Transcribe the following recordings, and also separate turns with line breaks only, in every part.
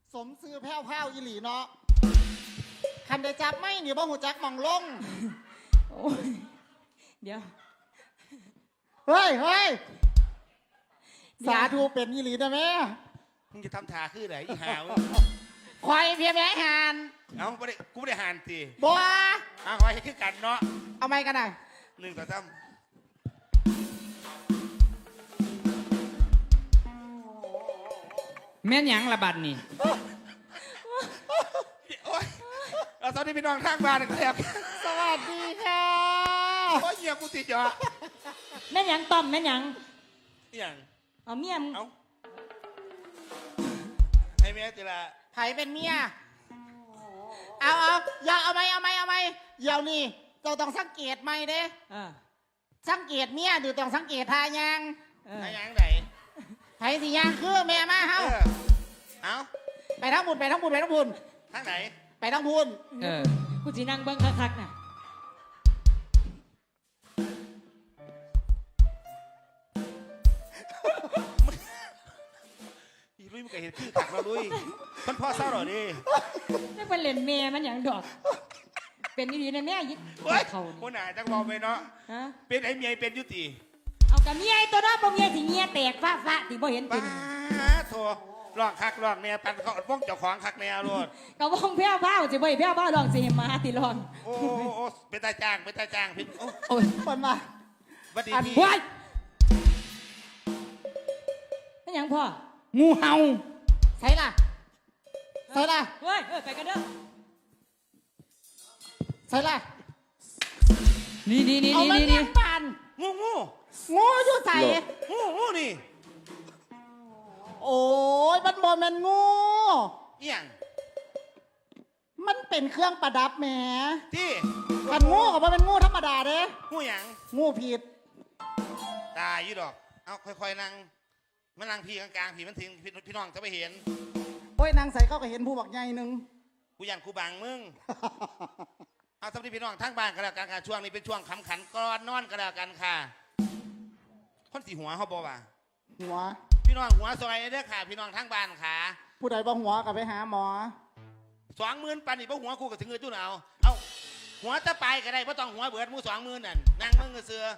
สมซื้อแพ้วๆอีหลีเนาะคันได้จับไม่เนี่ยบ่หูจักมองลง
โอ้ยเดี๋ยว
เฮ้ยสาธุเป็นอีหลีได้ไหม
มึงจะทำท่าคือไหนอีหาว
ควายเพียแม่หาน
เอ้ากูไม่ได้หานตี
บัว
ควายคือกันเนาะ
เอาไม้กันหน่อย
1 2 3
แม่นหยังระบัดนี่
โอ้ยเราตอนนี้พี่น้องทางบ้านนะครับ
สวัสดีค่ะ
โอ้ยเหี้ยกูติดจ่อ
แม่นหยังต้อมแม่นหยัง
อย่าง
เอาเมียม
เอาให้เมียจิละ
ไผเป็นเมียเอาอย่าเอาไหมเดี๋ยวนี้เจ้าต้องสังเกตไหมเด้สังเกตเมียดูต้องสังเกตทายัง
ทายังไหน
ไผสิยางคือแม่มาเฮา
เอา
ไปทั้งบุญ
ทางไหน
ไปทั้งบุญ
กูสินั่งเบิ้งคักๆน่ะ
อีลุยมันก็เห็นคือถักเราลุยมันพ่อเศร้าหรอดิ
ไม่เป็นเล่นแม่มันอย่างดอกเป็นดีๆนะแม่ยึด
เขาคนไหนจังบอกไปเนาะเป็นไอ้เมียเป็นยุติ
เอากับเมียตัวน้องบ่เมียที่เมียแตกฟ้าที่บ่เห็นจริง
โถลองคักลองเนี่ยปันเขาว่องเจ้าของคักเนี่ยรถ
ก็ว่องแพ้วๆสิบ่แพ้วๆลองสิมาติลอง
โอ้เป็นตาจ้างพี่
โอ้ยคนมา
วัดดีพี่
ว้ายเป็นยังพ่อ
งูเห่าใช่ล่ะเ
ฮ้ยไปกันเด้อ
ใช่ล่ะ
นี่
ปันงูอยู่ใส่
งูนี่
โอ้ยมันบอมันงู
อย่าง
มันเป็นเครื่องประดับแหม
ที่
มันงูกับมันเป็นงูธรรมดาเด้
งูอย่าง
งูผิด
ตายยี่ดอกเอาค่อยๆนั่งมันนั่งพี่กลางๆพี่มันถึงพี่น้องจะไปเห็น
โอ้ยนางใส่เข้าก็เห็นผู้บักใหญ่นึง
กูยันกูบังมึงเอาสำหรับพี่น้องทั้งบ้านก็แล้วกันค่ะช่วงนี้เป็นช่วงขำขันก่อนนอนก็แล้วกันค่ะคนสีหัวเขาบอกว่า
หัว
พี่น้องหัวซอยเด้อค่ะพี่น้องทั้งบ้านค่ะ
ผู้ใดบ่หัวก็ไปหาหมอ
20,000ปันนี่บ่หัวกูก็ถึงเงินจุ่นเอาหัวตะไปก็ได้เพราะต้องหัวเบิดมู20,000นั่นนั่งมึงก็เสือ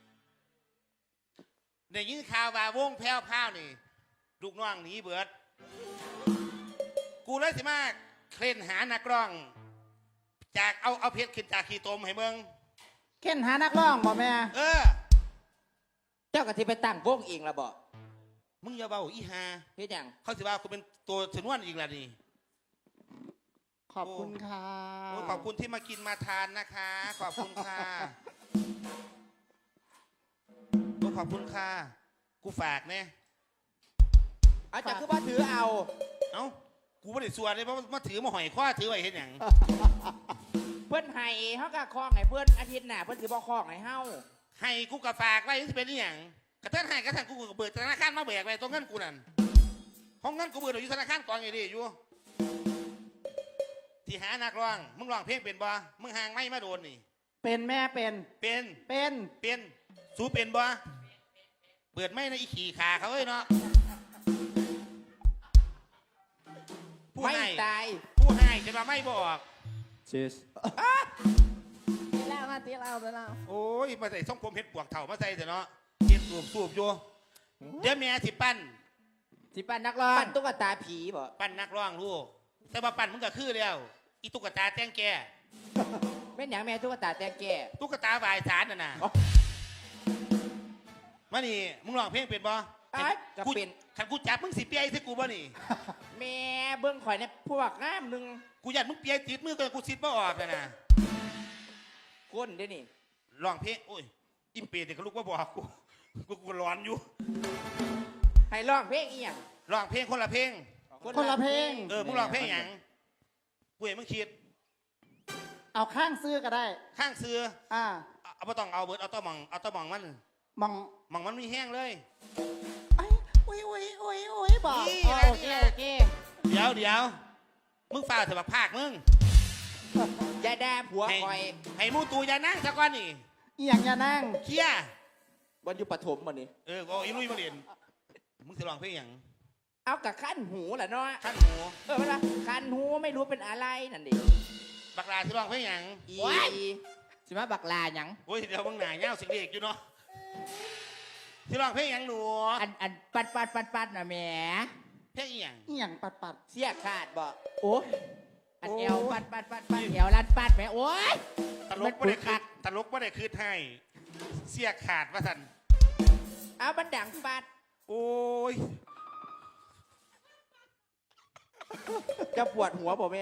เดี๋ยวยินข่าวว่าวงแพ้วนี่ลูกน้องหนีเบิดกูเลยสิมาเคล่นหานักร้องจากเอาเพชรขึ้นจากขี้ตมให้เมือง
เค้นหานักร้องบ่แม่
เจ้ากะทิไปตั้งวงเองละบ่
มึงอย่าเบาอีฮา
เฮ็ดหยัง
เขาสิว่ากูเป็นตัวชนวนอีกแล้วนี่
ขอบคุณค่ะ
ขอบคุณที่มากินมาทานนะคะขอบคุณค่ะขอบคุณค่ะกูฝากเนี่ย
อาจารย์คือว่าถือเอา
กูไม่ได้ส่วนเลยเพราะมาถือมาหอยข้อถือไว้เห็นอย่าง
เพื่อนให้เขากะคล้องให้เพื่อนอาทิตย์หน้าเพื่อนถือบ่คล้องให้เฮา
ให้กูกะฝากไว้ที่เป็นอย่างกระเทือนให้กระทั่งกูเบิดธนาคารมาแบกไว้ตรงเงินกูนั่นห้องเงินกูเบิดอยู่ธนาคารกองไงดิอยู่ที่หานักร้องมึงร้องเพลงเป็นบ่มึงห่างไม่มาโดนนี่
เป็นแม่เป็น
สู้เป็นบ่เปิดไม่นะอีขี่ขาเขาเอ้ยเนาะ
ไม่ตาย
ผู้ให้จะมาไม่บอก
ชีส
ตีแล้ว
โอ้ยมาใส่ส้มผมเห็ดปวกเถ่ามาใส่เถอะเนาะเห็ดสูบอยู่เดี๋ยวแม่สิปั้น
นักร้องปั้นตุ๊กตาผีบ่
ปั้นนักร้องลูกแต่ว่าปั้นมึงก็คือแล้วอีตุ๊กตาแตงแก่
เป็นอย่างแม่ตุ๊กตาแตงแก่
ตุ๊กตาบายสารน่ะมานี่มึงร้องเพลงเป็นบ่
กูเป็น
ขันกูจับมึงสิเปียใส่กูบ่นี่
แม่เบิ้งข่อยเนี่ยพวกน้ำนึง
กูอยากมึงเปียติดมือก็กูซิดบ่ออกเลยนะ
ก้นเด้นี่
ร้องเพลงโอ้ยอิมเปรตเด็กลูกว่าบอกกูร้อนอยู่
ให้ร้องเพลงอีหยัง
ร้องเพลงคนละเพลงมึงร้องเพลงอย่างกูเห็นมึงคิด
เอาข้างซื้อก็ได้
ข้างซื้อเอาไม่ต้องเอาเบิร์ดเอาต้อมองมัน
ม
องมันมีแห้งเลย
โอ้ยบอกโอเค
เดี๋ยวมึงฝ่าเถอะบักภาคมึง
อย่าด่าผัวคอย
ให้มูตูอย่านั่งสักวันนี่
อย่างอย่านั่ง
เคี้ย
วันอยู่ปฐมวันนี้
ก็อีลุยมาเรียนมึงจะร้องเพลงอย่าง
เอากับขั้นหูแหละเนาะ
ขั้นหู
มันว่าขั้นหูไม่รู้เป็นอะไรนั่นดิ
บักลาที่ร้องเพลงหยัง
อี
ว้าย
สิมาบักลาหยัง
โอ้ยเดี๋ยวมึงหนาเงาสิงเด็กอยู่เนาะที่ร้องเพลงหยังหนู
อันปัดน่ะแหม
เพลงอีหยัง
อหย่างปัดปัด
เสียขาดบ่โอ้อัน
โอ้
เอวปัดเอวลันปัดแหมโอ้ย
ตลกไม่ได้คืนตลกไม่ได้คืนให้เสียขาดว่าสัน
เอาบันดังปัด
โอ้ย
จะปวดหัวบ่แม่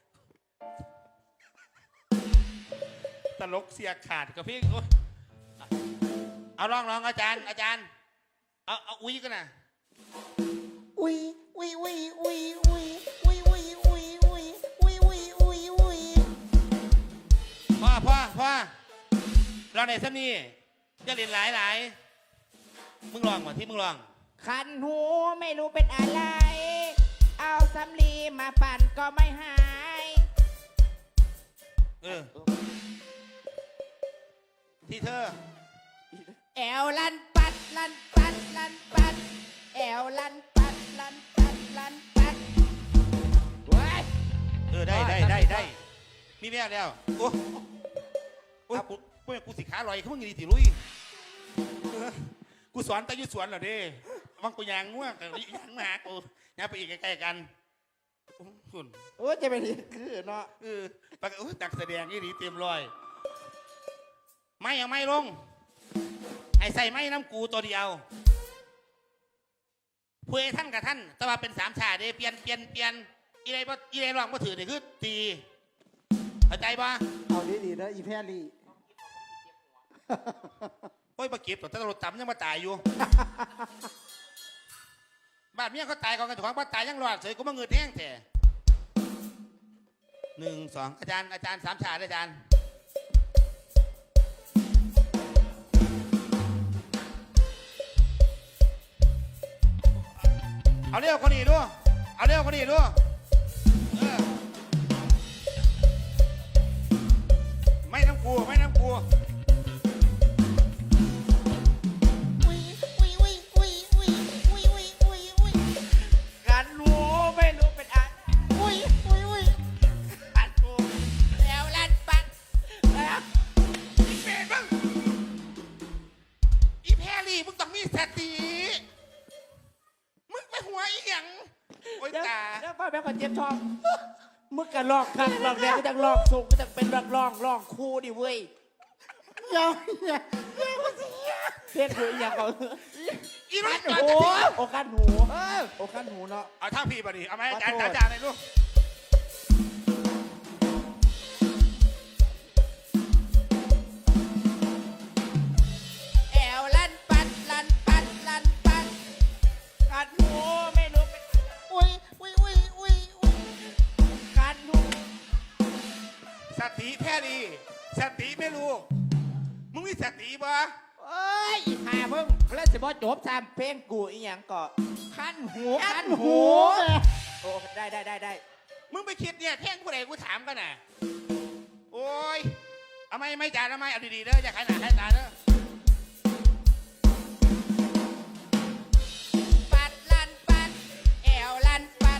ตลกเสียขาดกับพี่โอ๊ยเอาร้องอาจารย์เอาอุ้ยกันนะ
อุ้ยอุ้ยอุ้ยอุ้ยอุ้ยอุ้ยอุ้ยอุ้ยอุ้ยอุ้ยอุ้ยอุ้ยอุ้ย
พ่อเราในซ้ำนี่จะเรียนหลายมึงลองก่อนที่มึงลอง
คันหูไม่รู้เป็นอะไร เอาสำลีมาปั่นก็ไม่หาย
ที่เธอ
แอวลันปัดแอวลันปัดว้าย
ได้มีแม่แล้วโอ้กูสิขาลอยเขามึงดีสิลุยกูสอนแต่ยุสวนเหรอเด้วังกูยางง่วงแต่ยางมากูยางไปอีกใกล้ๆกันคุณ
โอ้จะเป็นคือเนาะ
ปากตักแสดงนี่ดีเต็มรอยไม่เอาไม่ลงไอ้ใส่ไม้น้ำกูตัวเดียวพูดท่านกับท่านแต่ว่าเป็นสามชาเด้เปลี่ยนอีไรร้องมาถือเนี่ยคือตีเข้าใจปะ
เอาดีๆนะอีแพรลี่
โอ้ยมาเก็บแต่ตำรวจจำยังมาตายอยู่ บ้านเมียเขาตายกันถูกบ้านตายยังรอดเฉยกูมาเงินแห้งแต่1 2อาจารย์สามชาเลยอาจารย์เอาเร็วคนนี้ด้วยไม่น้ำกู
อุ้ยอุ้ยอุ้ยอุ้ยอุ้ยอุ้ยอุ้ยอุ้ยอุ้ย
คันหูไม่รู้เป็นอะไร
อุ้ยอุ้ยอุ้ย
คันหูแอวลันปัดแล้ว
อีเฟรมึงอีแพรรี่มึงต้องมีสติมึงไปหัวอีหยังโอ้ยตา
เดี๋ยวพ่อแม่คนเจ็บท้องมึงก็ลอกคักลอกแดงก็จะลอกสูงก็จะเป็นลอกคู่ดิเว้ย
อย่า
เพี้ยนหูอย่างเขา
อีรุ่น
คัน
จอด
หู
จะทิ้ง
โอ้คันหูโอ้คันหูเนาะ
เอาท่าพี่มาดิเอาไหมอาจารย์
ขอโทษ
เลยลูก
แอวลันปัดคันหูไม่รู้เป็น
อุ้ยอุ้ยอุ้ยอุ้ยอุ้ย
คันหู
สติแพรรี่สติไม่รู้มึงมีสติปะ
เอ้ยอีหามึงแล้วสิบ่จบซ้ำเพลงกูอีหยังก็คันหู โอ้ได้
มึงไปคิดเนี่ยแท่งผู้ใดกูถามกันน่ะโอ้ยเอาไม่จานเอาไม่เอาดีๆเด้ออย่าขายหนาขายตาเด้อ
ปัดลันปัดแอวลันปัด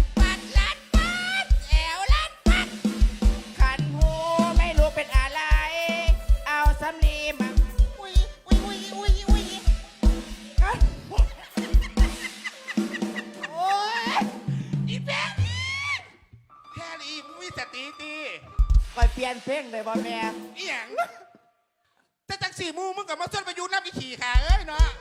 แอวลันปัดคันหูไม่รู้เป็นอะไร เอาสำลีมา
อุ้ยอุ้ยอุ้ยอุ้ยอุ้ย
คันหูโอ้ย
อีแพรรี่มึงมีสติตี
คอยเปลี่ยนเพลงเลยบ่แม่
อีหยังแต่จังสี่มูมึงกับมาส้นประยุทธ์นับอีขี่ขาเอ้ยเนาะ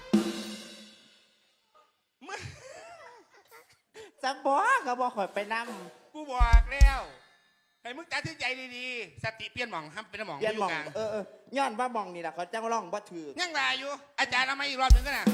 มึง
สังบ่ก็บ่คอยไปนำ
กูบอกแล้วให้มึงตัดสินใจดีๆสติเปลี่ยนหม่องห้ามเป็นหม่อง
เปลี่ยน
อ
หม
ยู่
อง
กลาง
ย้อนว่าหมองนี่ล่ะเขาจังร้องบ่ถือ
ยังลายอยู่ อาจารย์เอามาอีกรอบหนึ่งก็นะ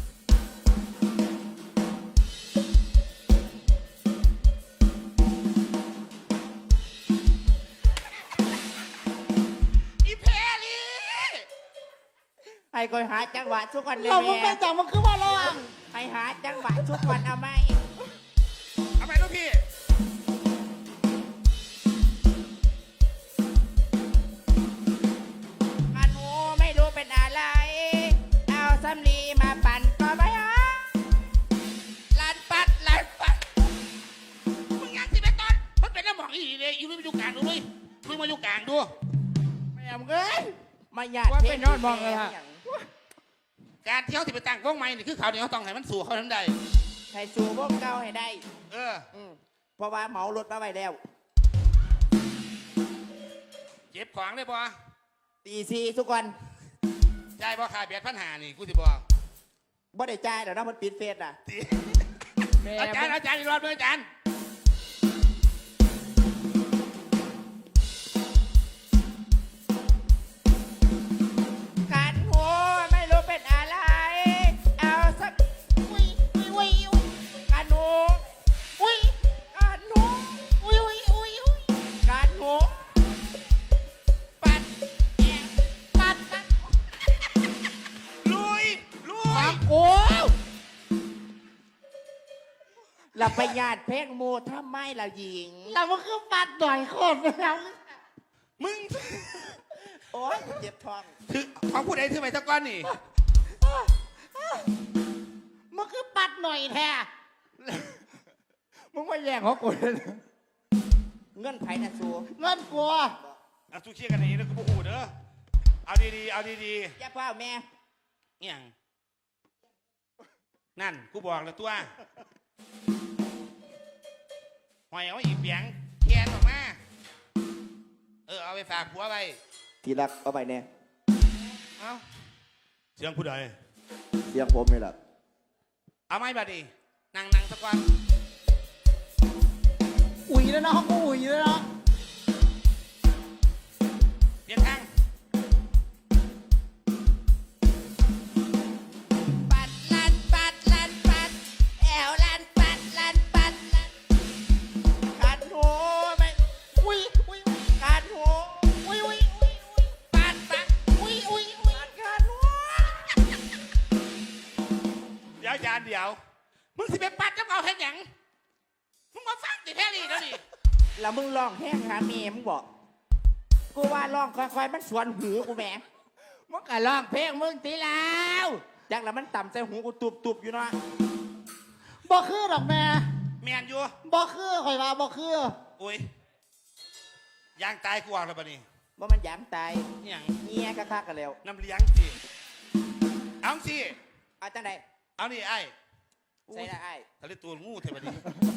อีแพรรี่
ให้คอยหาจังหวะทุกวันเลย
เรามึง
แม่
ไปจังมันคือว่าร้อง
ให้หาจังหวะทุกวันเอาไหม
เอาไปลูกพี่
คันหูไม่รู้เป็นอะไร เอาสำลีมาปั่นก็ไม่หาลันปัด
อีลุยมาอยู่กลางดูลุยลุยมาอยู่กลางดู
แม่มึงเอ้ยมาหยาด
ว่าไปนอนมองเลยฮะ
การที่เขาสิไปตั้งวงใหม่นี่คือเขาวเดียวเขาต้องให้มันสู่เขาทั้งใด
ให้สู่พวกเก่าให้ได้
เออ
เพราะว่าเหมารถมาไว้แล้ว
เจ็บของเลยบ่
ตีซีทุกคน
จ่ายบ่ขาเบียดปัญหานี่กูสิบอก
บ่ได้จ่ายเดี๋ยวนะมันปิดเฟซอ่ะ
แม่
อาจารย์อีกรอบเลยอาจารย์
ขันหัวไม่รู้เป็นอะไร เอาสัก
อุ้ยอุ้ยอุ้ย
ขันหัว
อุ้ย
ขันหัว
อุ้ยอุ้ยอุ้ยอุ้ย
ขันหัวปัดแอบ
ปัดปัด
ลุยลุย
โอ้
เราไปหยาดเพลงโมทำไมเราหญิง
เราก็คือปัดหน่อยโคตรไปแล้ว
มึง
โอ๊ยเจ็บท้อง
ถือของผู้ใดถือไปสักก้อนนี่
มันคือปัดหน่อยแท้
มึงมาแย่งของกูเลยเงื่อนไขนะสู
เงินกลัว
เอาสู้เชียร์กันอย่างนี้แล้วกูพูดเด้อเอาดีๆเอาดี
อย่าเฝ้าแม่
ๆเนี่ยงนั่นกูบอกแล้วตัวหอยเอาอีกเปียงแคนออกมาเอาไปฝากผัวไป
ทีรักเอาไปแน่
เอาเสียงผู้ใด
เสียงผมนี่แหละ
เอาไหมบัดนี้นั่งสักวัน
อุ่ยแล้วเนาะกูอุ่ยแล้วเนาะ
เปลี่ยนทาง
ปัดลันปัดลันปัดแอวลันปัดลันปัดลันขันหัวไม่
อุ้ยอุ้ย
ขันหัว
อุ้ยอุ้ยอุ้ยอุ้ย
ปัดปัด
อุ้ยอุ้ยอุ้ย
ปัดขันหัว
เดี๋ยวอาจารย์เดี๋ยวมึงสิไปปัดกับเอาแค่หยังมึงมาฟังติแท้นี่แล้วนี่
แล้วมึงร้องแห้งหาเมียมึงบอกกูว่าร้องค่อยๆมันสวนหูกูแหม
มึงก็ร้องเพลงมึงตีแล้ว
จักแล้วมันต่ำใส่หูกูตุบๆอยู่เนาะ
บ่คือดอกแม่
แมนอยู่
บ่คือข่อยว่าบ่คือ
อุ้ยยางตายกูออกแล้วบัดนี้
ว่ามันยามตาย
นี่หยัง
เงี้ยกะคักกันแล้ว
น้ำเลี้ยงสิเอาสิ
เอาจังใด
เอานี่ไอ้
ใส่ละไอ้าย
ทะเลตัวงูเทบัดนี้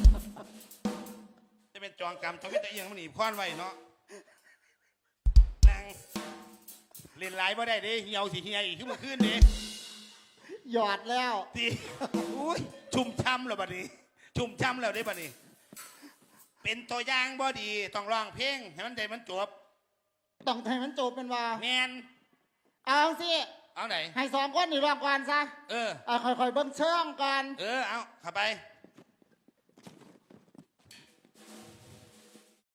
จะเป็นจองกรรมทวิตเอียงมันหนีบค้อนไว้เนาะนั่งเล่นไลน์บ่ได้เด้เหี่ยวสิเหี่ยอีกขึ้นมาขึ้นเด้
หยอดแล้ว
ตีอุ้ยชุ่มช้ำแล้วบัดนี้ ชุ่มช้ำแล้วได้บัดนี้ เป็นตัวอย่างบ่ดีต้องร้องเพลงให้มันได้มันจบ
ต้องให้มันจบเป็นว่า
แมน
เอาสิ
เอาไหน
ให้สองคนนี่รอบก่อนซะ
เออ
ค่อยๆเบิ่งเชิงก่อน
เอาเข้าไป